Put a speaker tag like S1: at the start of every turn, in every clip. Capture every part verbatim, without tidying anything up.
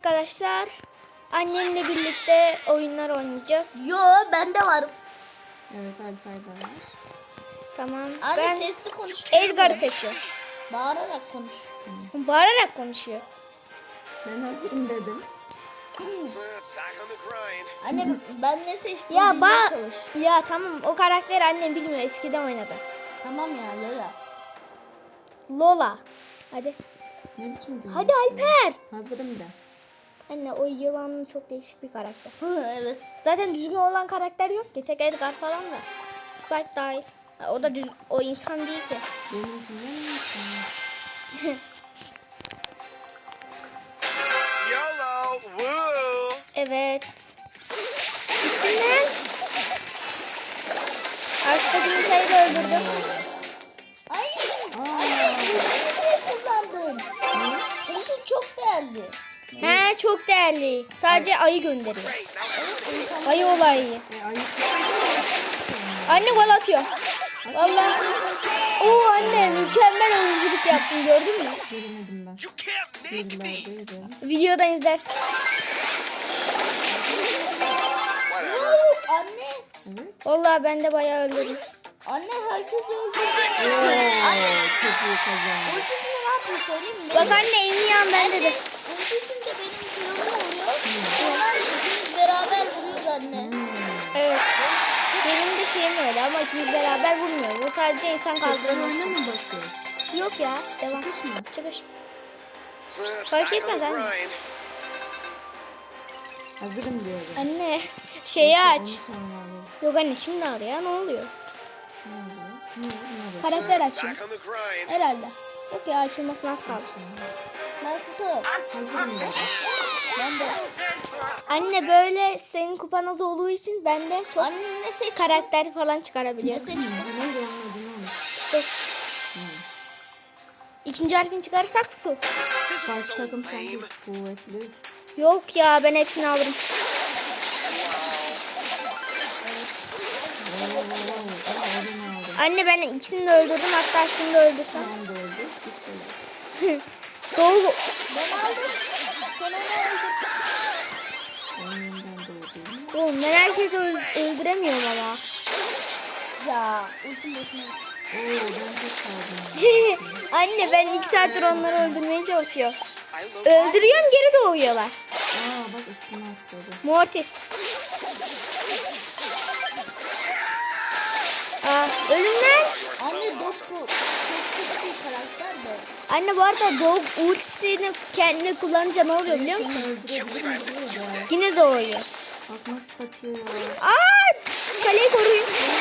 S1: arkadaşlar. Annemle birlikte oyunlar oynayacağız.
S2: Yo, ben de varım.
S3: Evet, Alper de var.
S1: Tamam.
S2: Anne
S1: ben
S2: sesli konuş.
S1: Edgar'ı seçiyorum.
S2: Bağırarak konuş.
S1: Bağırarak konuşuyor.
S3: Ben hazırım dedim.
S2: Anne ben ne seçtim?
S1: Ya
S2: bilmeye
S1: ba
S2: çalış.
S1: ya tamam, o karakteri annem bilmiyor, eskiden oynadı.
S2: Tamam ya Lola.
S1: Lola. Hadi.
S3: Ne biçim diyorsun?
S1: Hadi Alper.
S3: Hazırım de.
S1: Anne o yılan çok değişik bir karakter.
S2: Evet.
S1: Zaten düzgün olan karakter yok ki. Tek Edgar falan da. Spike dahil. Ha, o da düz, o insan değil ki.
S3: Benimkinden mi?
S4: YOLO! Woo!
S1: Evet. Gittin lan. Karşıdaki Nita'yı da öldürdüm.
S2: Ay.
S3: Aa,
S2: Ne kullandın? Ulti çok değerli.
S1: He, çok değerli. Sadece ayı gönderiyor.
S4: Great, now
S2: Evet, insan-
S1: Ayı olayı.
S3: e, ayı
S1: Anne gol atıyor. Vallahi. Oo anne, mükemmel oyunculuk yaptın, gördün mü?
S3: göremedim ben.
S4: you can't make me!
S3: Gerilerdeydi.
S1: Videodan izlersin.
S4: Whatever.
S2: Oo, anne.
S3: Evet.
S1: Vallahi ben de bayağı öldürdüm.
S2: Anne herkes öldü.
S3: Oo, çok iyi kazandı.
S2: Ultisinde ne yapıyor söyleyeyim mi?
S1: Bak anne, en iyi an bende de.
S2: Ultisinde benim kırılma oluyor. Sonra ikimiz beraber vuruyoruz anne.
S3: Hmm.
S1: Evet. Benim de şeyim öyle ama ikimiz beraber vurmuyoruz. O sadece insan
S3: Tekrar
S1: kaldırmak
S3: oyuna
S1: için.
S3: mı basıyoruz?
S1: Yok ya, devam.
S3: Çıkış mı?
S1: Çıkış.
S4: Back
S1: Fark
S4: on
S1: etmez
S4: the
S1: anne.
S4: grind.
S3: Hazırım diyorum.
S1: Anne şeyi aç.
S3: Onu sonra alırız.
S1: Yok anne, şimdi al ya, ne oluyor?
S3: Ne oluyor? Ne oluyor? Ne
S1: Karakter açıyor.
S4: Back on the grind.
S1: Herhalde. Yok ya, açılmasına az kaldı.
S2: Ben Sto.
S3: Hazırım dedim.
S2: Ben de.
S1: Anne böyle senin kupan az olduğu için ben de çok
S2: Anne ne seçtin?
S1: karakter falan
S2: Ne
S1: çıkarabiliyorum.
S2: seçtin?
S3: Hmm, neydi onun adı, ne olmuş?
S1: Dur.
S3: Hmm.
S1: İkinci harfini çıkarırsak su.
S3: Karşı takım sanki kuvvetli.
S1: Yok ya, ben hepsini alırım.
S3: Oo, oo, oo, aa, elini aldım.
S1: Anne ben ikisini de öldürdüm, hatta şunu da öldürsem.
S3: Tamam da öldü. Bitti.
S1: Doğu
S2: Ben aldım. Sen onu öldür.
S3: Ben yeniden doğdum.
S1: Oğlum, ben herkesi öl- öldüremiyorum ama.
S2: Ya ultim boşuna.
S3: Oo, ben tek kaldım.
S1: Anne ben iki saattir onları öldürmeye çalışıyorum.
S4: I love
S1: Öldürüyorum, geri doğuyorlar.
S3: Aa, bak üstüne atladı.
S1: Mortis. Aa, ölümden.
S2: Anne Dokku çok kötü bir karakter de.
S1: Anne bu arada Dog ultisini kendine kullanınca ne oluyor biliyor musun?
S3: Seni öldürebilirim diyor da.
S1: Yine doğuyor.
S3: Bak nasıl kaçıyor.
S1: Aa, kaleyi koruyun.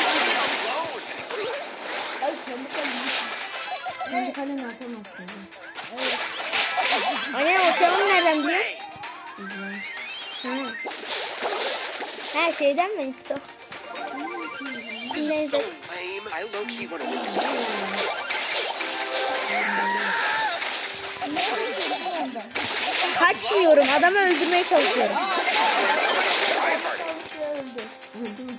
S2: Ay kendi kendine.
S3: Kendi kaleni atamazsın.
S2: Evet.
S1: Anne o sen onu nereden biliyor?
S3: İzlemiş.
S1: Ha. Her şeyden mi yoksa? Neyse.
S4: so lame. I low key wanna win this game.
S2: Ne kaçırdın ondan?
S1: Kaçmıyorum, adamı öldürmeye çalışıyorum.
S2: Yanlış yere öldü.
S3: Öldü mü?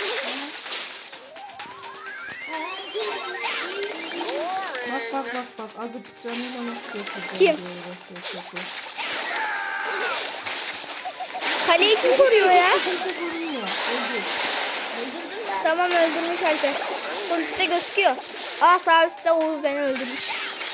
S3: Bak bak bak bak. Azıcık canıyla nasıl götürdü.
S1: Kim?
S3: Uğraşıyor, çok iyi.
S1: Kaleyi kim koruyor ya?
S3: Kimse vurmuyor. Öldü.
S2: Öldürdüm ben.
S1: Tamam, öldürmüş Alper. Sol üstte gözüküyor. Aa, sağ üstte Oğuz beni öldürmüş.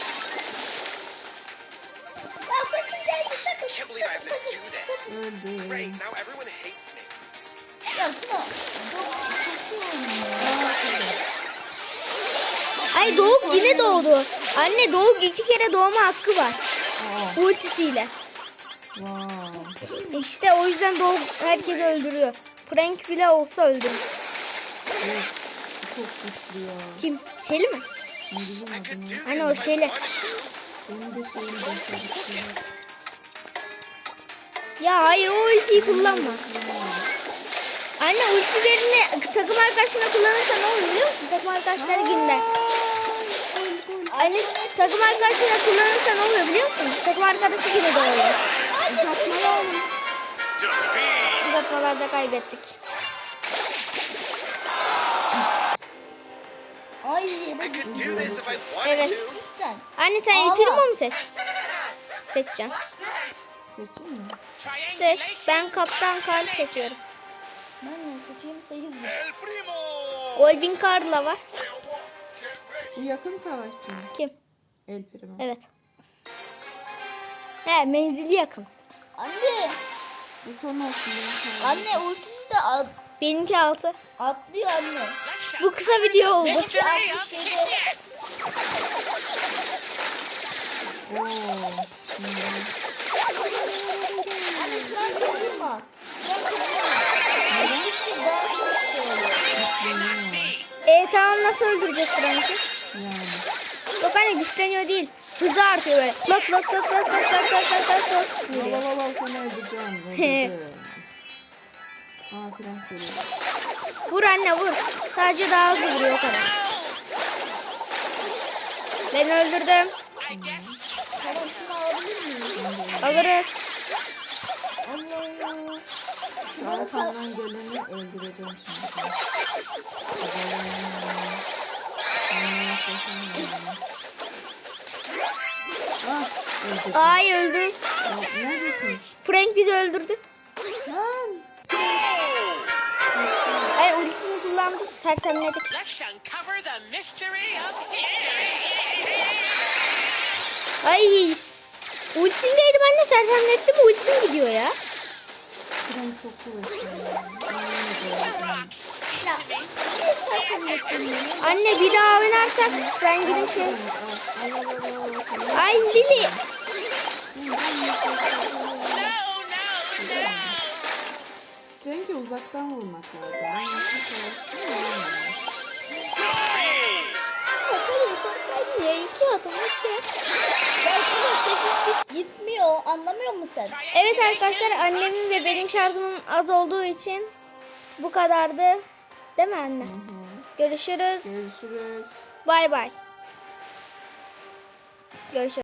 S2: Ya sakın gelme sakın.
S4: Can't believe I have to do this.
S3: Öldü.
S4: Great, now everyone hates me.
S2: Ya Tuna. Dokku çok iyi oynuyor.
S3: Aa, tabii.
S1: Ay, Doğuk yine doğdu. Anne Doğuk iki kere doğma hakkı var.
S3: Aa,
S1: Ultisiyle.
S3: wow.
S1: İşte o yüzden Doğuk herkesi öldürüyor. Frank bile olsa öldürür.
S3: Evet. Çok güçlü ya.
S1: Kim? Şeli mi?
S3: Ne bileyim adını.
S1: Hani o Şeli.
S3: Benim de şeyim de
S1: Ya hayır, o ultiyi kullanma. Anne ultilerini takım arkadaşına kullanırsa ne olur biliyor musun? Takım arkadaşları günde. Anne takım arkadaşına kullanırsa ne oluyor biliyor musun? Takım arkadaşı yine doğuyor.
S4: Defeat!
S1: Uzatmalarda kaybettik.
S2: Ay
S4: I
S2: yere
S4: could
S2: düştü.
S4: do this if I wanted
S1: Evet.
S4: to.
S2: Sistem.
S1: Anne sen El
S2: Ağla.
S1: Primo mu seç? Seçeceğim.
S3: Seçeyim mi?
S1: Seç. Ben Kaptan Karl seçiyorum.
S2: Ben ne seçeyim? sekiz bin.
S4: El primo.
S1: Golbin Karl'la var.
S3: Bu yakın savaşçı mı?
S1: Kim?
S3: El Primo.
S1: Evet. He, menzili yakın.
S2: Anne.
S3: Bu son olsun. benim sana.
S2: Anne ultisi de at,
S1: Benimki altı.
S2: atlıyor anne.
S1: Bu kısa video oldu.
S2: Benimki altmış şeyde.
S3: Oo. Hmm.
S2: Anne Frank kırdırma. Frank kırdırma. Gittikçe daha çok şey oluyor.
S3: Güçleniyor.
S1: E tamam, nasıl öldüreceğiz Frank'i?
S3: Yani.
S1: Yok anne, güçleniyor değil. Hızı artıyor böyle. Lak lak lak lak lak lak lak lak lak lak.
S3: La
S1: Vuruyor.
S3: la la la seni öldüreceğim. Öldürdüm. Aa Frank geliyor.
S1: Vur anne vur. Sadece daha hızlı vuruyor o kadar. Ben öldürdüm.
S2: Tamam şunu alabilir miyim?
S1: Alırız.
S2: Allah Allah.
S3: Şu arkamdan geleni öldüreceğim şimdi. Ah, öldürdüm.
S1: Ay öldüm.
S3: Ya, neredesiniz?
S1: Frank bizi öldürdü.
S3: Lan!
S1: Ay ultisini kullandı. Sersemledik.
S4: Let's uncover the mystery of history.
S1: Ay. Ultimdeydim anne, sersemlettim. Ultim gidiyor ya.
S3: Frank çok kuvvetli. Aynen.
S2: Ya niye sersemlettin beni?
S1: Anne bir daha oynarsak Frank'in şey.
S3: Al, al, al, al, al, al.
S1: Ay Lili.
S4: No, no, no.
S3: Frank'e uzaktan vurmak lazım. Ben yakın savaşçıyım ya.
S2: Bakalım sen niye iki adım iki? Belki de sekiz bit gitmiyor. Anlamıyor musun sen?
S1: Evet arkadaşlar, annemin ve benim şarjımın az olduğu için bu kadardı. Değil mi anne?
S3: Hı hı.
S1: Görüşürüz.
S3: Görüşürüz.
S1: Bay bay. Görüşürüz.